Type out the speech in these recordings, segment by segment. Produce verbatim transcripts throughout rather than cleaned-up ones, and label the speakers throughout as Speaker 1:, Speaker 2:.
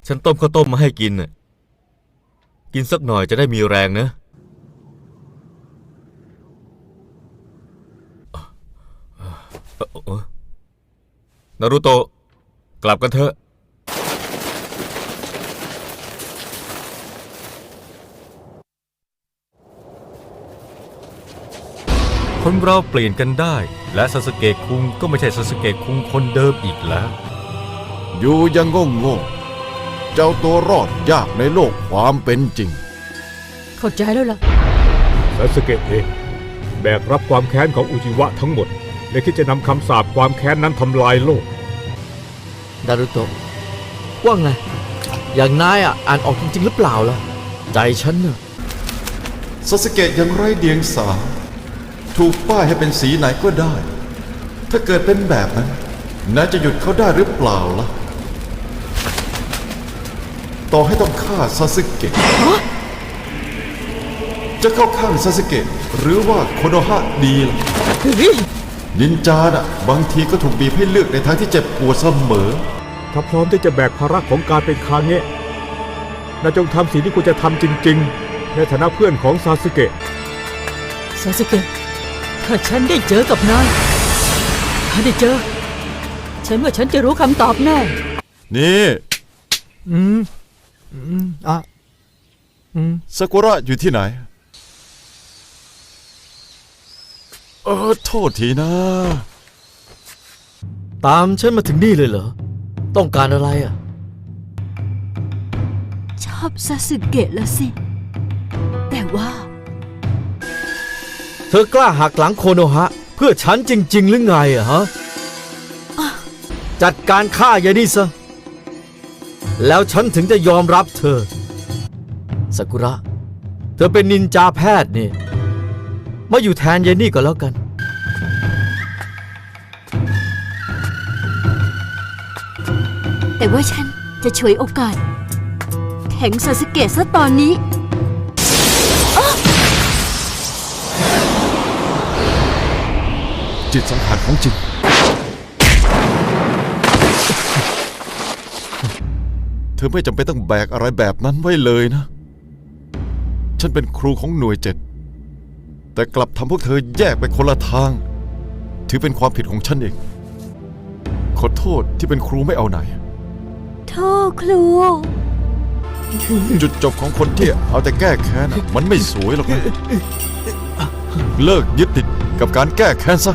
Speaker 1: ฉันต้มข้าวต้มมาให้กินน่ะกินสักหน่อยจะได้มีแรงนะนารูโตะกลับกันเถอะคนเราเปลี่ยนกันได้และซาสึเกะคุงก็ไม่ใช่ซาสึเกะคุงคนเดิมอีกแล้ว
Speaker 2: อยู่ยังโง่โง่เจ้าตัวรอดยากในโลกความเป็นจริง
Speaker 3: เข้าใจแล้วล่ะ
Speaker 4: ซาสึเกะเองแบกรับความแค้นของอุจิวะทั้งหมดและคิดจะนำคำสาปความแค้นนั้นทำลายโลก
Speaker 5: นารุโตะว่าไงอย่างนายอ่ะอ่านออกจริงๆหรือเปล่าล่ะใจฉันน่ะ
Speaker 2: ซาสึเกะยังไร้เดียงสาถูกป้ายให้เป็นสีไหนก็ได้ถ้าเกิดเป็นแบบนั้นนายจะหยุดเขาได้หรือเปล่าล่ะต่อให้ต้องฆ่าซาสึเกะจะเข้าข้างซาสึเกะหรือว่าโคโนฮะดีล่ะนินจาน่ะบางทีก็ถูกบีบให้เลือกในทางที่เจ็บปวดเสมอ
Speaker 4: ถ้าพร้อมที่จะแบกภาระของการเป็นคาเงะนายจงทำสิ่งที่คุณจะทำจริงๆในฐานะเพื่อนของซาสึเกะ
Speaker 3: ซาสึเกะถ้าฉันได้เจอกับนายถ้าได้เจอฉันว่าฉันจะรู้คำตอบแน่
Speaker 2: นี่
Speaker 5: อืมอืมอ่ะ
Speaker 2: อืมซากุระอยู่ที่ไหนเออโทษทีนะ
Speaker 5: ตามฉันมาถึงนี่เลยเหรอต้องการอะไรอ่ะ
Speaker 6: ชอบซาสึเกะแล้วสิแต่ว่า
Speaker 5: เธอกล้าหักหลังโคโนฮะเพื่อฉันจริงๆหรือไงอะฮะจัดการฆ่ายายนี่ซะแล้วฉันถึงจะยอมรับเธอซากุระเธอเป็นนินจาแพทย์นี่มาอยู่แทนยายนี่ก็แล้วกัน
Speaker 6: แต่ว่าฉันจะฉวยโอกาสแทงซาสึเกะซะตอนนี้
Speaker 2: จิตสังหารของจริงเธอไม่จำเป็นต้องแบกอะไรแบบนั้นไว้เลยนะฉันเป็นครูของหน่วยเจ็ดแต่กลับทำพวกเธอแยกไปคนละทางถือเป็นความผิดของฉันเองขอโทษที่เป็นครูไม่เอาไหน
Speaker 6: โทษครู
Speaker 2: จุดจบของคนที่เอาแต่แก้แค้นมันไม่สวยหรอกนะเลิกยึดติดกับการแก้แค้นซะ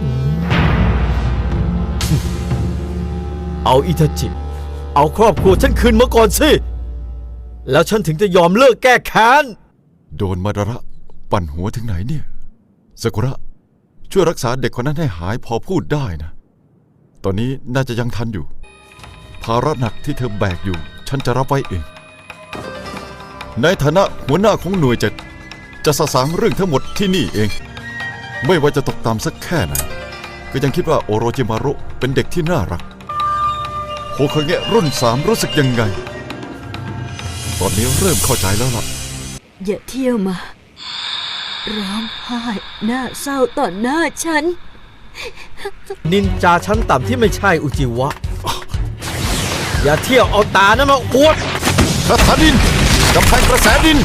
Speaker 5: เอาอิทาจิเอาครอบครัวฉันคืนมาก่อนสิแล้วฉันถึงจะยอมเลิกแก้แค้น
Speaker 2: โดนมาดาระปั่นหัวถึงไหนเนี่ยซากุระช่วยรักษาเด็กคนนั้นให้หายพอพูดได้นะตอนนี้น่าจะยังทันอยู่ภาระหนักที่เธอแบกอยู่ฉันจะรับไว้เองในฐานะหัวหน้าของหน่วยเจ็ดจะสะสางเรื่องทั้งหมดที่นี่เองไม่ว่าจะตกต่ำสักแค่ไหนก็ยังคิดว่าโอโรจิมารุเป็นเด็กที่น่ารักโฮคาเงะรุ่นสามรู้สึกยังไงตอนนี้เริ่มเข้าใจแล้วล่ะ
Speaker 6: อย่าเที่ยวมาร้องไห้หน้าเศร้าต่อหน้าฉัน
Speaker 5: นินจาชั้นต่ำที่ไม่ใช่อุจิวะอย่าเที่ยวเอาตานั้นมาอวด
Speaker 2: คาถาดินกำแพงกระแสดิน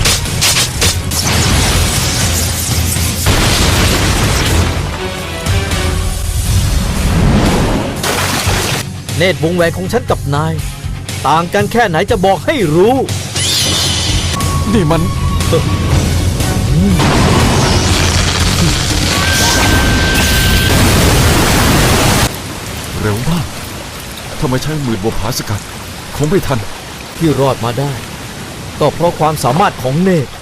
Speaker 5: เนตรวงแหวนของฉันกับนายต่างกันแค่ไหนจะบอกให้รู้
Speaker 2: นี่มันเร็วมากถ้าไม่ใช่หมื่นบัวผาสกัดคงไม่ทัน
Speaker 5: ที่รอดมาได้ก็เพราะความสามารถของเนตร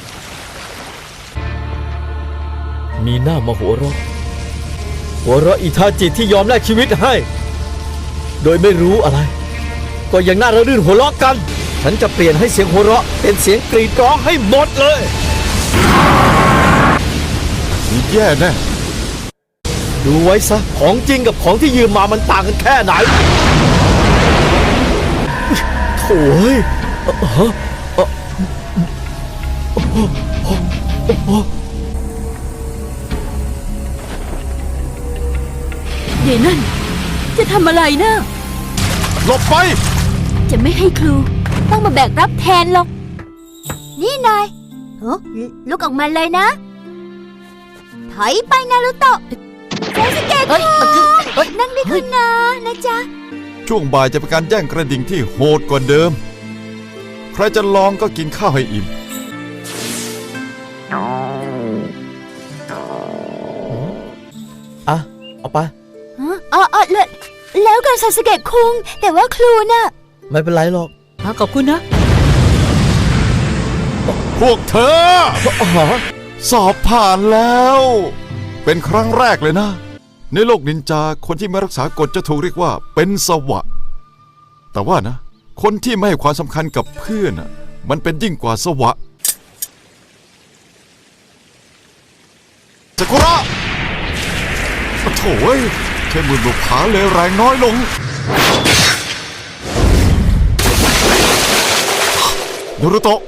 Speaker 5: มีหน้ามาหัวเราะหัวเราะอิทาจิที่ยอมแลกชีวิตให้โดยไม่รู้อะไรก็ยังน่าระรื่นหัวเราะกันฉันจะเปลี่ยนให้เสียงหัวเราะเป็นเสียงกรีดร้องให้หมดเลย
Speaker 2: แย่แน่
Speaker 5: ดูไว้ซะของจริงกับของที่ยืมมามันต่างกันแค่ไหนโถ่เฮ้ย
Speaker 6: เดี๋ยวนั่นจะทำอะไรนะ
Speaker 2: หลบไป
Speaker 6: จะไม่ให้ครูต้องมาแบกรับแทนหรอก นี่นายเฮ้ลุกออกมาเลยนะ ถอยไปนารุโตะซาสึเกะ
Speaker 3: เฮ้ยเฮ้ย
Speaker 6: นั่งดีคุณนะนะจ๊ะ
Speaker 2: ช่วงบ่ายจะเป็นการแย่งกระดิ่งที่โหดกว่าเดิม ใครจะลองก็กินข้าวให้อิ่ม
Speaker 5: อ่ะ เอาไป
Speaker 6: อ๋ออ๋อแล้วแล้วกันซาสึเกะคุง แต่ว่าครูน่ะ
Speaker 5: ไม่เป็นไรหรอก
Speaker 3: อ่ะขอบคุณนะ
Speaker 2: พวกเธอ
Speaker 5: อ๋อ
Speaker 2: สอบผ่านแล้ว เป็นครั้งแรกเลยนะ ในโลกนินจาคนที่ไม่รักษากฎจะถูกเรียกว่าเป็นสวะ แต่ว่านะ คนที่ไม่ให้ความสำคัญกับเพื่อนน่ะมันเป็นยิ่งกว่าสวะซากุระโถ่เอ้ยแค่มือบุกผาเลยแรงน้อยลงนารุโตะ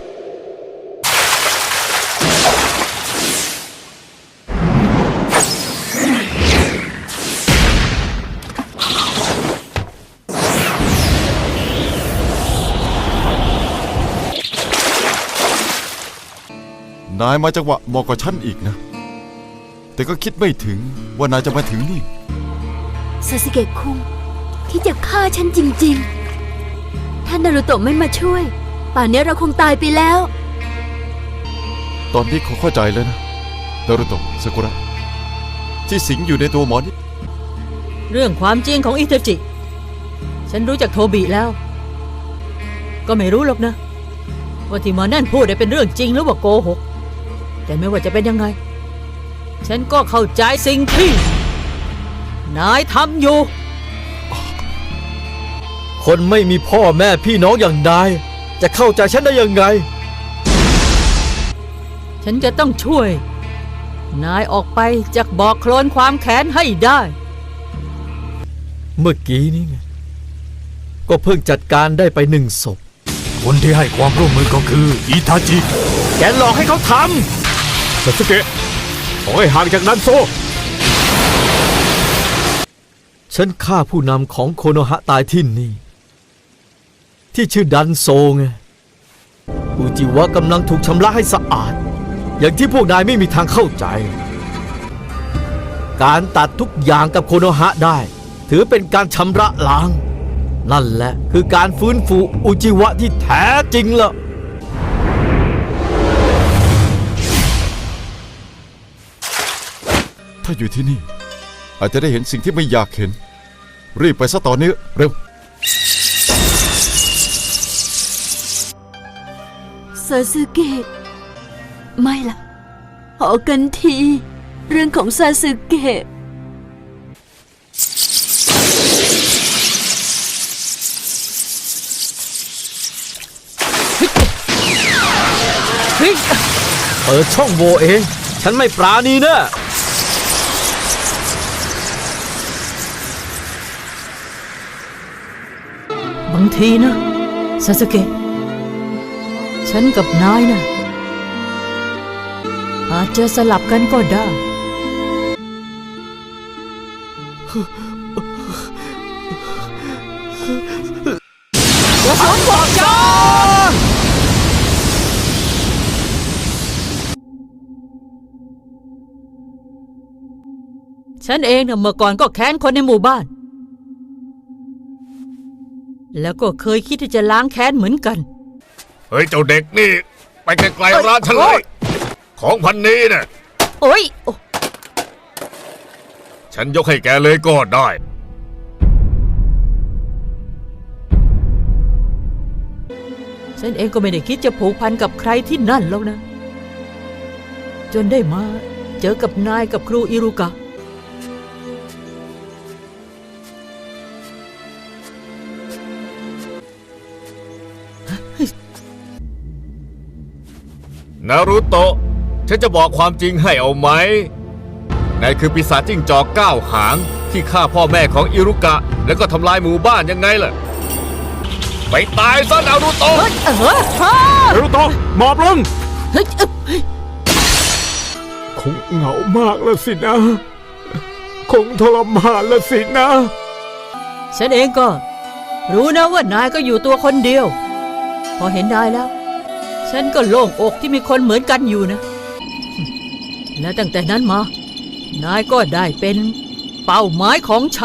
Speaker 2: นายมาจังหวะเหมาะกว่าฉันอีกนะ แต่ก็คิดไม่ถึงว่านายจะมาถึงนี่
Speaker 6: ซาสึเกะคุงที่จะฆ่าฉันจริงๆ ถ้านารุโตะไม่มาช่วย ป่านนี้เราคงตายไปแล้ว
Speaker 2: ตอนนี้เขาเข้าใจแล้วนะนารุโตะซากุระที่สิงอยู่ในตัวหมอนี่
Speaker 3: เรื่องความจริงของอิเทจิ ฉันรู้จักโทบิแล้ว ก็ไม่รู้หรอกนะ ว่าที่หมอนั่นพูดได้เป็นเรื่องจริงหรือว่าโกหก แต่ไม่ว่าจะเป็นยังไง ฉันก็เข้าใจสิ่งที่ นายทำอยู่
Speaker 5: คนไม่มีพ่อแม่พี่น้องอย่างนาย จะเข้าใจฉันได้ยังไง
Speaker 3: ฉันจะต้องช่วย นายออกไปจากบ่อโคลนความแค้นให้ได้
Speaker 5: เมื่อกี้นี่ไง ก็เพิ่งจัดการได้ไปหนึ่งศพ
Speaker 1: คนที่ให้ความร่วมมือก็คืออิทาจิ
Speaker 5: แกหลอกให้เขาท
Speaker 4: ซาสึเกะขอให้ห่างจากนั้นโซ
Speaker 5: ำ ฉันฆ่าผู้นำของโคโนฮะตายที่นี่ ที่ชื่อดันโซไง อุจิวะกำลังถูกชำระให้สะอาด อย่างที่พวกนายไม่มีทางเข้าใจ การตัดทุกอย่างกับโคโนฮะได้ ถือเป็นการชำระล้าง นั่นแหละคือการฟื้นฟูอุจิวะที่แท้จริงล่ะ
Speaker 2: ถ้าอยู่ที่นี่ อาจจะได้เห็นสิ่งที่ไม่อยากเห็น รีบไปซะตอนนี้เร็ว
Speaker 6: ซาสึเกะไม่ล่ะขอกันที เรื่องของซาสึเกะ
Speaker 3: เฮ้ย
Speaker 5: เปิดช่องโหว่เอง ฉันไม่ปราณีนะ
Speaker 3: บางทีนะซาสึเกะ ฉันกับนายนะอาจจะสลับกันก็ได้ กระสุนบอกจางฉันเองนะเมื่อก่อนก็แค้นคนในหมู่บ้าน แล้วก็เคยคิดที่จะล้างแค้นเหมือนกัน
Speaker 1: เฮ้ย เจ้าเด็กนี่ ไปไกลๆร้านฉันเลย ของพันนี้น่ะ
Speaker 3: โอ๊ยโอ้
Speaker 1: ฉันยกให้แกเลยก็ได้
Speaker 3: ฉันเองก็ไม่ได้คิดจะผูกพันกับใครที่นั่นแล้วนะ จนได้มาเจอกับนายกับครูอิรุกะ
Speaker 1: นารุโตะ ฉันจะบอกความจริงให้เอาไหม นายคือปีศาจจิ้งจอกเก้าหางที่ฆ่าพ่อแม่ของอิรุกะ แล้วก็ทำลายหมู่บ้านยังไงล่ะ ไปตายซะนารุโตะ
Speaker 3: เฮ้ยเออฮ่า
Speaker 4: นารุโตะหมอบลง
Speaker 3: เฮ้ยเอ้ย
Speaker 4: คงเหงามากแล้วสินะ คงทรมานแล้วสินะ
Speaker 3: ฉันเองก็ รู้นะว่านายก็อยู่ตัวคนเดียวพอเห็นนายแล้ว ฉันก็โล่งอกที่มีคนเหมือนกันอยู่นะ และตั้งแต่นั้นมา นายก็ได้เป็นเป้าหมายของฉัน